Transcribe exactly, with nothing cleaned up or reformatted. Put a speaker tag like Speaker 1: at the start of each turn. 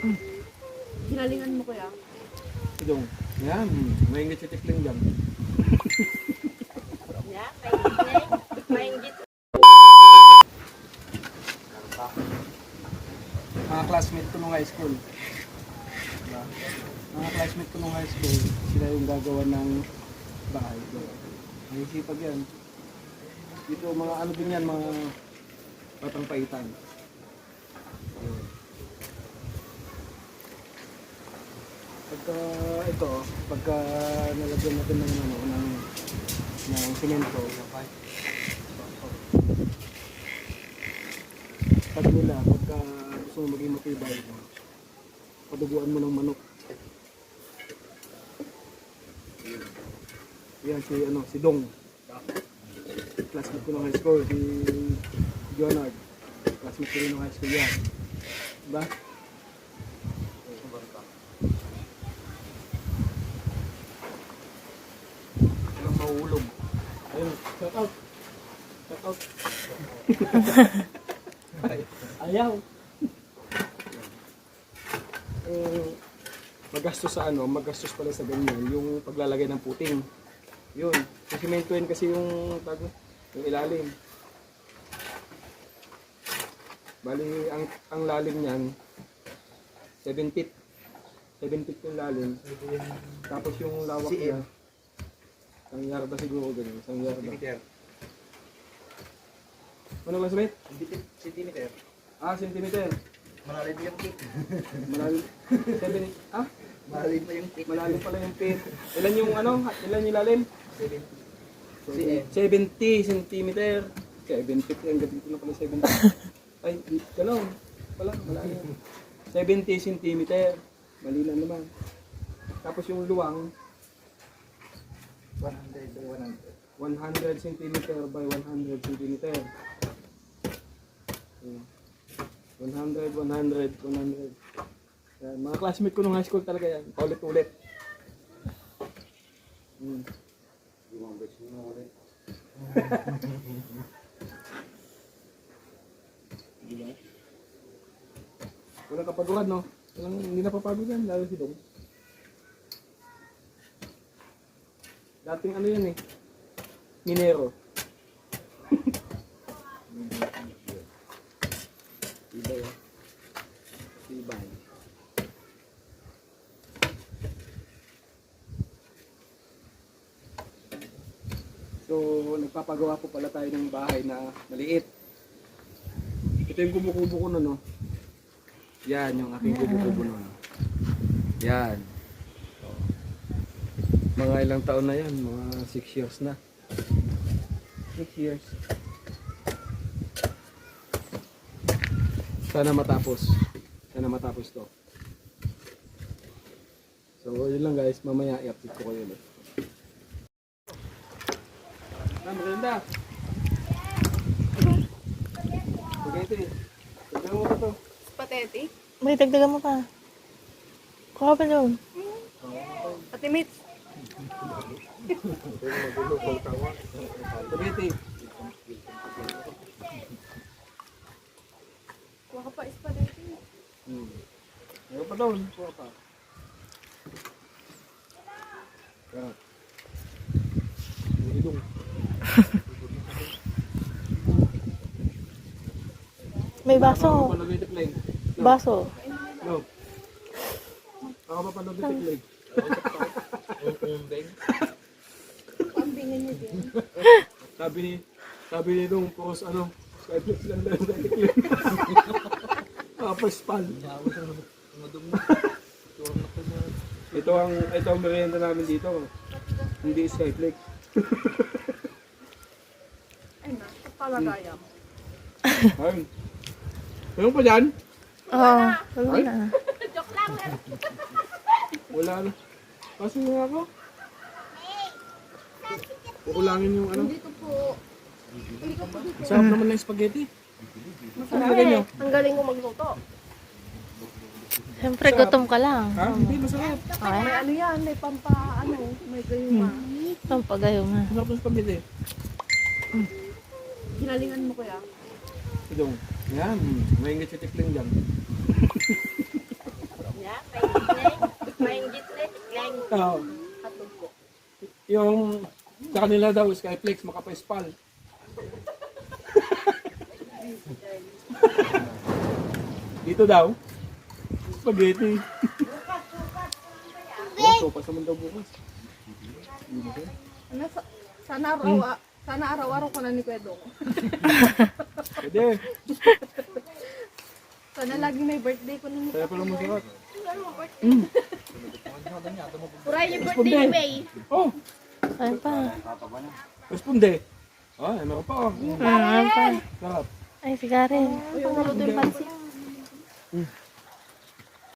Speaker 1: Hinalingan mo kuya.
Speaker 2: Idong. Yan. Maingit si Tikling dyan.
Speaker 1: Yeah, maingit. Maingit.
Speaker 2: Mga classmate ko nung high school. Diba? Mga classmate ko nung high school, sila yung gagawa ng bahay. Naisipag yan. Dito mga ano din yan, mga batang paitan. Ayun. Pagka ito, pagka nalagyan natin ng ano, ng ng semento, pag nila, pagka gusto mo maging matibay, paduguan mo ng manok. Yan si ano, si Dong. Classmate ko ng high school, si Jonard. Classmate ko rin ng high school yan. Diba? Walang mahulog. Ayun, shout out. Shout out. Ayaw. Eh, magastos sa ano, magastos pala sa ganyan, yung paglalagay ng puting. Yun, sisimentoin kasi yung tag, yung ilalim. Bali, ang ang lalim niyan seven feet. seven feet yung lalim. Tapos yung lawak niya isang yarda siguro ganyan, isang yarda. Ano ba sabihin?
Speaker 3: Centimeter.
Speaker 2: Ah, centimeter.
Speaker 3: Malalim yung pit.
Speaker 2: Malalim. seven, ah?
Speaker 3: Malalim pa yung pit.
Speaker 2: Malalim pala yung pit. Ilan yung ano? Ilan yung lalim?
Speaker 3: seventy.
Speaker 2: seventy centimeter. seven feet. Ang gabi ko na pala seventy. Ay, gano'n. Pala, malalim. seventy centimeter. Mali lang naman. Tapos yung luwang,
Speaker 3: one hundred by one hundred.
Speaker 2: one hundred centimeter by one hundred centimeter. Ayan. one hundred, one hundred, one hundred. Yan. Mga classmate ko nung high school talaga yan. Paulit-ulit. Hmm. Diba? Walang kapaguran, no? Walang, hindi napapagod yan, lalo si Dong. Dating ano yan eh, minero. Iba yan. Ibay. So, nagpapagawa po pala tayo ng bahay na maliit. Ito yung kumukubo ko na, no? Yan, yung aking kubo-kubo nun. Yan. Mga ilang taon na yan, mga six years na. six years. Sana matapos. Sana matapos to. So, yun lang guys. Mamaya i-update ko kayo ulit. Ah, maganda. Spaghetti. Tignan mo ba to?
Speaker 1: Spaghetti.
Speaker 4: May dagdagan mo pa. Kuha pa doon.
Speaker 1: Pati mates.
Speaker 2: Spaghetti.
Speaker 1: Kuha ka pa spaghetti.
Speaker 2: Hmm. Ayaw pa doon. Kuha pa. Yan. Ilong.
Speaker 4: May baso.
Speaker 2: Papanood yung tikling.
Speaker 4: Baso.
Speaker 2: No. Ako papanood yung tikling.
Speaker 1: Pambingin niyo din.
Speaker 2: Sabi ni, sabi ni nung pros ano, Skyflex lang lang sa tikling. Papaspal. Ito ang, ito ang merienda namin dito. Hindi Skyflex.
Speaker 1: Ay na, palagayam.
Speaker 2: Ayun. Meron pa dyan?
Speaker 4: Oo. Wala
Speaker 2: Ay.
Speaker 4: na.
Speaker 1: Joke lang.
Speaker 2: Wala na. Kasi nga ako. Kukulangin yung ano.
Speaker 1: Dito po.
Speaker 2: Sarap naman ng spaghetti.
Speaker 1: Masarap.
Speaker 2: Lagyan nyo.
Speaker 1: Ang galing ko magluto.
Speaker 4: Siyempre, gutom ka lang.
Speaker 2: Ha? Hindi, masarap.
Speaker 4: Okay.
Speaker 1: May ano yan, may pampa, ano, may gayuma.
Speaker 4: Ang pagayo nga.
Speaker 2: Masarap ng spaghetti.
Speaker 1: Hinalingan mo kuya.
Speaker 2: Idong. Yan. Maingit si tikling dyan. Oo.
Speaker 1: Hotdog po.
Speaker 2: Yung sa kanila daw, Skyflex, makapaspal. Dito daw, spaghetti. Oh, sopas naman daw bukas.
Speaker 1: Ano, sa, sana araw, sana araw-araw ko na ni Kuya Dong.
Speaker 2: Pwede.
Speaker 1: Sana lagi may birthday ko na ni
Speaker 2: Kaya pala masarap.
Speaker 1: Puray yung birthday ni May.
Speaker 2: Oh,
Speaker 4: Ano pa?
Speaker 2: responde. Ah, meron pa. Oh.
Speaker 4: Hmm, ano pa?
Speaker 2: Sarap.
Speaker 4: Ay, si Karen.
Speaker 1: Yung luto yung pansit.